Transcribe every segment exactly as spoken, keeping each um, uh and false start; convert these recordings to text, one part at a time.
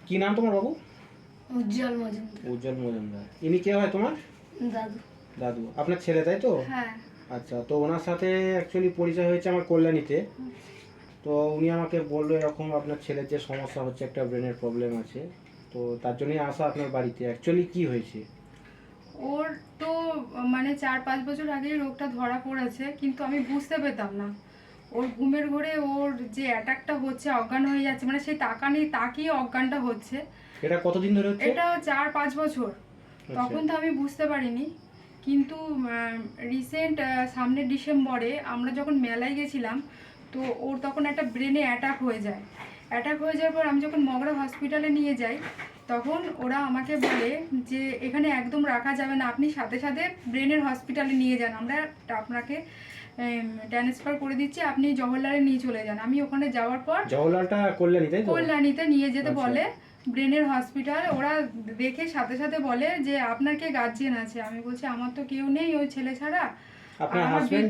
কি নাম তোমার বাবু? উজ্জ্বল মজুমদার। উজ্জ্বল মজুমদার। ইনি কে হয় তোমার? দাদু। দাদু। আপনার ছেলে তাই তো? হ্যাঁ। আচ্ছা, তো ওনার সাথে অ্যাকচুয়ালি পরিচয় হয়েছে আমার কল্যাণীতে। তো উনি আমাকে বললো এরকম আপনার ছেলের যে সমস্যা হচ্ছে, একটা ব্রেনের প্রবলেম আছে, তো তার জন্যই আসা আপনার বাড়িতে। অ্যাকচুয়ালি কি হয়েছে? ওর তো মানে চার পাঁচ বছর আগেই রোগটা ধরা পড়েছে, কিন্তু আমি বুঝতে পেতাম না। ওর ঘুমের ঘোরে ওর যে অ্যাটাকটা হচ্ছে, অজ্ঞান হয়ে যাচ্ছে, মানে সেই তাকানি তাকিয়ে অজ্ঞানটা হচ্ছে। এটা কতদিন ধরে হচ্ছে? এটা চার পাঁচ বছর। তখন তো আমি বুঝতে পারিনি, কিন্তু রিসেন্ট সামনের ডিসেম্বরে আমরা যখন মেলায় গেছিলাম, তো ওর তখন একটা ব্রেনে অ্যাটাক হয়ে যায়। অ্যাটাক হয়ে যাওয়ার পর আমি যখন মগরা হসপিটালে নিয়ে যাই, তখন ওরা আমাকে বলে যে এখানে একদম রাখা যাবে না, আপনি সাথে সাথে ব্রেনের হসপিটালে নিয়ে যান, আমরা আপনাকে ট্রান্সফার করে দিচ্ছি, আপনি জওহরলালে নিয়ে চলে যান। আমি ওখানে যাওয়ার পর জওহরলালটা কল্যাণী তাই তো? কল্যাণীতে নিয়ে যেতে বলে ব্রেনের হসপিটাল। ওরা দেখে সাথে সাথে বলে যে আপনার কে গার্জিয়ান আছে? আমি বলছি আমার তো কেউ নেই ওই ছেলে ছাড়া। আপনার হাজবেন্ড?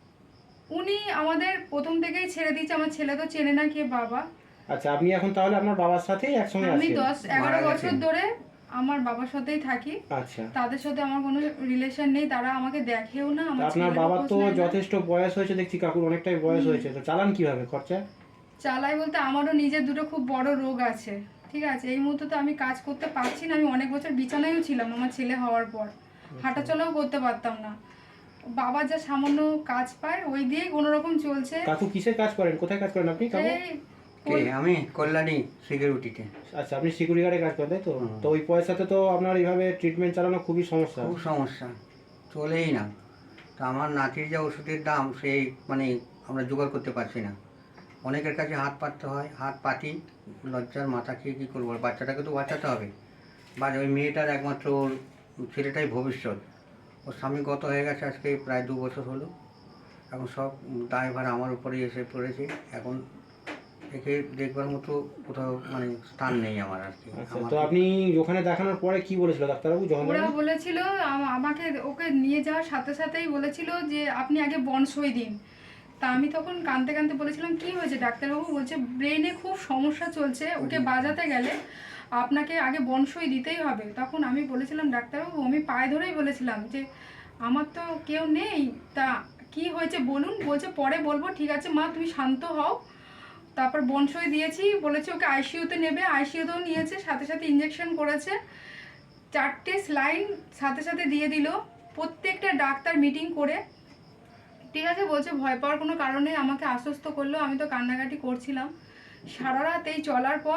উনি আমাদের প্রথম থেকেই ছেড়ে দিয়েছে, আমার ছেলে তো চেনে না কে বাবা। আচ্ছা, আপনি এখন তাহলে আপনার বাবার সাথেই একসঙ্গে আছেন? আমি দশ এগারো বছর ধরে আমার বাবার সাথেই থাকি। আচ্ছা, তাদের সাথে আমার কোনো রিলেশন নেই, তারা আমাকে দেখেও না। আমার আপনার বাবার তো যথেষ্ট বয়স হয়েছে দেখছি, কাকুর অনেকটাই বয়স হয়েছে, তো চালান কিভাবে খরচা? চালাই বলতে আমারও নিজের দুটো খুব বড় রোগ আছে, ঠিক আছে। এই মুহূর্তে তো আমি কাজ করতে পারছি না, আমি অনেক বছর বিছানায়ও ছিলাম আমার ছেলে হওয়ার পর, হাঁটাচলাও করতে পারতাম না। বাবা যা সামান্য কাজ পায় ওই দিয়েই কোনো রকম চলছে। কাকু কিসের কাজ করেন? কোথায় কাজ করেন আপনি কাকু? কে? আমি কল্যাণী সিকিউরিটিতে। আচ্ছা, আপনি সিকিউরিটি গার্ডে কাজ করেন তাই তো? তো ওই পয়সাতে তো আপনার এইভাবে ট্রিটমেন্ট চালানো খুবই সমস্যা। খুব সমস্যা, চলেই না। তো আমার নাতির যা ওষুধের দাম, সেই মানে আমরা জোগাড় করতে পারছি না। অনেকের কাছে হাত পাততে হয়, হাত পাতি, লজ্জার মাথা খেয়ে কী করবো। বাচ্চাটাকে তো বাঁচাতে হবে, বা ওই মেয়েটার একমাত্র ওর ছেলেটাই ভবিষ্যৎ। ওর স্বামী গত হয়ে গেছে আজকে প্রায় দু বছর হলো। এখন সব দায়ভার আমার উপরেই এসে পড়েছে। এখন একে দেখবার মতো কোথাও মানে স্থান নেই আমার আর কি। তো আপনি ওখানে দেখানোর পরে কি বলেছিল ডাক্তারবাবু? ওরা বলেছিল আমাকে, ওকে নিয়ে যাওয়ার সাথে সাথেই বলেছিল যে আপনি আগে বনসই দিন। তা আমি তখন কাঁদতে কাঁদতে বলেছিলাম কি হয়েছে ডাক্তারবাবু? বলছে ব্রেনে খুব সমস্যা চলছে, ওকে বাজাতে গেলে আপনাকে আগে বনসই দিতেই হবে। তখন আমি বলেছিলাম ডাক্তারবাবু, আমি পায়ে ধরেই বলেছিলাম যে আমার তো কেউ নেই, তা কি হয়েছে বলুন। বলছে পরে বলবো। ঠিক আছে মা, তুমি শান্ত হও। তারপর বনসই দিয়েছি, বলেছে ওকে আইসিইউতে নেবে, আইসিইউতেও নিয়েছে, সাথে সাথে ইঞ্জেকশন করেছে, চারটে স্লাইন সাথে সাথে দিয়ে দিল। প্রত্যেকটা ডাক্তার মিটিং করে ঠিক আছে বলছে, ভয় পাওয়ার কোনো কারণে আমাকে আশ্বস্ত করলো। আমি তো কান্নাকাটি করছিলাম সারা রাত। এই চলার পর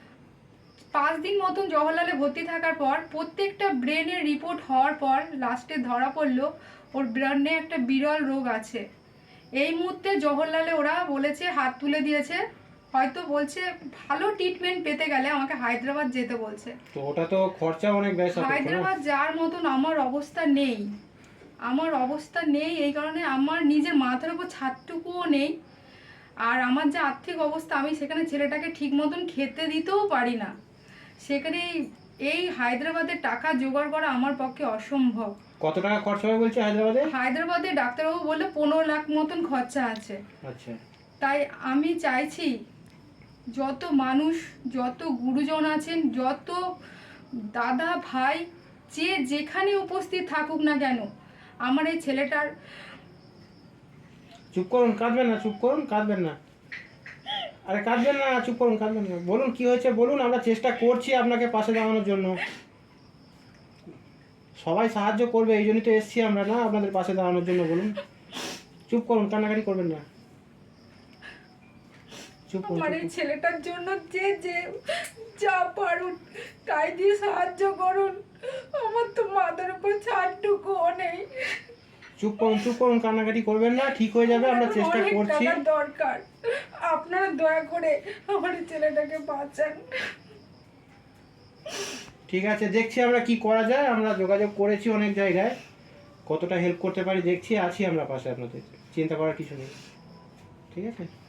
পাঁচ দিন মতন জওহরলালে ভর্তি থাকার পর প্রত্যেকটা ব্রেনের রিপোর্ট হওয়ার পর লাস্টে ধরা পড়লো ওর ব্রেনে একটা বিরল রোগ আছে। এই মুহূর্তে জওহরলালে ওরা বলেছে, হাত তুলে দিয়েছে, হয়তো বলছে ভালো ট্রিটমেন্ট পেতে গেলে আমাকে হায়দ্রাবাদ যেতে বলছে। তো ওটা তো খরচা অনেক বেশি। হায়দ্রাবাদ যাওয়ার মতন আমার অবস্থা নেই, আমার অবস্থা নেই। এই কারণে আমার নিজের মাথার উপর ছাদটুকুও নেই। আর আমার যে আর্থিক অবস্থা, আমি সেখানে ছেলেটাকে ঠিক মতন খেতে দিতেও পারি না। সেখানে এই হায়দ্রাবাদে টাকা জোগাড় করা আমার পক্ষে অসম্ভব। কত টাকা খরচা হবে বলছে হায়দ্রাবাদে? হায়দ্রাবাদে ডাক্তারবাবু বললে পনেরো লাখ মতন খরচা আছে। আচ্ছা, তাই আমি চাইছি যত মানুষ, যত গুরুজন আছেন, যত দাদা ভাই, যে যেখানে উপস্থিত থাকুক না কেন, আমার এই ছেলেটার। চুপ করুন, কাঁদবেন না, চুপ করুন, কাঁদবেন না, আরে কাঁদবেন না, চুপ করুন, কাঁদবেন না। বলুন কি হয়েছে বলুন, আমরা চেষ্টা করছি আপনাকে পাশে দাঁড়ানোর জন্য। সবাই সাহায্য করবে, এই জন্যই তো এসছি আমরা না আপনাদের পাশে দাঁড়ানোর জন্য। বলুন, চুপ করুন, কান্নাকাটি করবেন না, চুপ করুন। আমার এই ছেলেটার জন্য যে যে যা পারুন তাই দিয়ে সাহায্য করুন। আমার তো মাথার উপর ছাদটুকুও নেই। চুপ করুন, চুপ করুন, কান্নাকাটি করবেন না, ঠিক হয়ে যাবে, আমরা চেষ্টা করছি। দরকার, আপনারা দয়া করে আমার ছেলেটাকে বাঁচান। ঠিক আছে, দেখছি আমরা কি করা যায়। আমরা যোগাযোগ করেছি অনেক জায়গায়, কতটা হেল্প করতে পারি দেখছি। আছি আমরা পাশে আপনাদের, চিন্তা করার কিছু নেই, ঠিক আছে।